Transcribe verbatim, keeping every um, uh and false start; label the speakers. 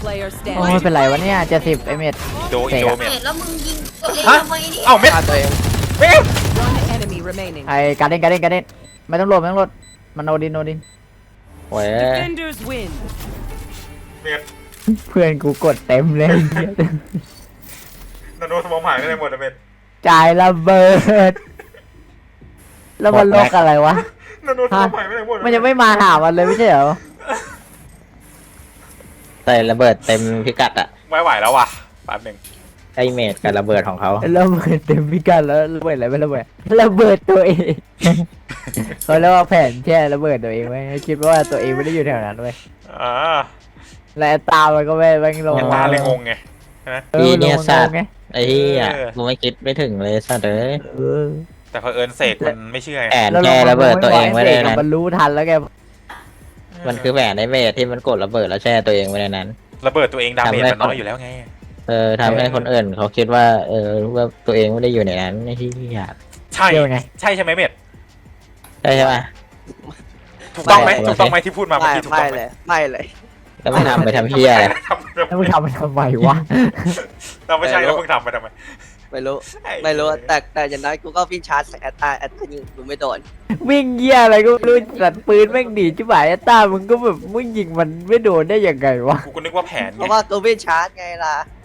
Speaker 1: player
Speaker 2: โอ้ย
Speaker 1: standing.
Speaker 2: เป็นไรวะเนี่ยเจ็ดสิบไอเม็ด
Speaker 3: โดอินโดเม
Speaker 4: เม็
Speaker 3: ด
Speaker 4: ดแล้วมึงยิงตัวเอง
Speaker 3: ฮะ
Speaker 4: ทำไมนี่
Speaker 3: เอ้าเม็ด
Speaker 5: ฆ่าตัวเอง
Speaker 3: เม็ด
Speaker 1: One enemy remaining.
Speaker 2: ไอการเด้นการเด้นการเด้นไม่ต้องโหลดไม่ต้องโหลดมันโนดินโนดิน
Speaker 5: โอ้ย
Speaker 1: Defenders win.
Speaker 3: เม็ด
Speaker 2: เพื่อนกูกดเต็มเลย
Speaker 3: นาโนสมองหายไปไหนหมดอะเม็ด
Speaker 2: จ่ายระเบิด แล้วมันโลกอะไรวะ
Speaker 3: นาโนสมองหายไปไหนหมด
Speaker 2: มันยังไม่มาหามันเลยไม่ใช่เหรอ
Speaker 5: ใส่ระเบิดเต็มพิกัดอะ
Speaker 3: ไม่ไหวแล้วว่ะแป๊บหนึ่ง
Speaker 5: ไอเมดกับระเบิดของเขา
Speaker 2: ระเบิดเต็มพิกัดแล้วระเบิดอะไรไม่ระเบิดระเบิดตัวเองเขาเรียกว่าแผนแค่ระเบิดตัวเองไว้คิดว่าตัวเองไม่ได้อยู่แถวนั้นเว้ย
Speaker 3: อ่า
Speaker 2: และตามันก็ไม่ไม่ลง
Speaker 3: ยังตาเลยงงไง
Speaker 2: ออ
Speaker 5: อีเนี่ย
Speaker 2: ลง
Speaker 5: สัตว์
Speaker 2: ไง
Speaker 5: ไอ้ที่อ่ะ
Speaker 3: เออ
Speaker 5: กูไม่คิดไม่ถึงเลยสัตว์เอ้ย
Speaker 2: เออ
Speaker 3: แต่พอเอิญเสกมันไม่เชื่อไง
Speaker 5: แอนแกระเบิดตัวเองไว้ในนั้น
Speaker 2: มันรู้ทันแล้วแก
Speaker 5: มันคือแหวนไอเมดที่มันกดระเบิดแล้วแช่ตัวเองไว้ในนั้น
Speaker 3: ระเบิดตัวเองดาเมจมันน้อยอยู่แล้วไง
Speaker 5: เออทำให้คนอื่นเขาคิดว่าเออว่าตัวเองไม่ได้อยู่ในนั้นไอ้ที่อยาก
Speaker 3: ใช่
Speaker 2: เกี่ยวไง
Speaker 3: ใช่ใช่ไหมเม็ด
Speaker 5: ใช่ใช่ปะ
Speaker 3: ถูกต้องไหม
Speaker 5: ไม่
Speaker 3: ถูกต้องไหมที่พูดมาเมื่อ
Speaker 6: ไม่
Speaker 3: กี้ถูก
Speaker 6: ไม่
Speaker 3: ต้องไหม
Speaker 6: เลยไม่เลย
Speaker 5: แล้วไม่ทำไปทำเพี้ยอะไร
Speaker 3: ทำ
Speaker 2: แล้วมึงทำมันทำไมวะ
Speaker 3: เราไม่ใช่แล้วมึงทำไปทำไม
Speaker 6: ไม่รู้ไม่รู้แต่แต่อย่างน้อยกูก็วิ่งชาร์จใส่แอตตาแอตตายิงกูไม่โดน
Speaker 2: วิ่งเหี้ยอะไรก็ไม่รู้สัตว์ปืนแม่งดีจิ๋วายต้ามึงก็แบบมึงยิงมันไม่โดนได้ยังไงวะ
Speaker 3: กูก็นึกว่าแผน
Speaker 6: เพ
Speaker 3: ไง
Speaker 6: ราะว่ากูวิ่งชาร์จไงล่ะ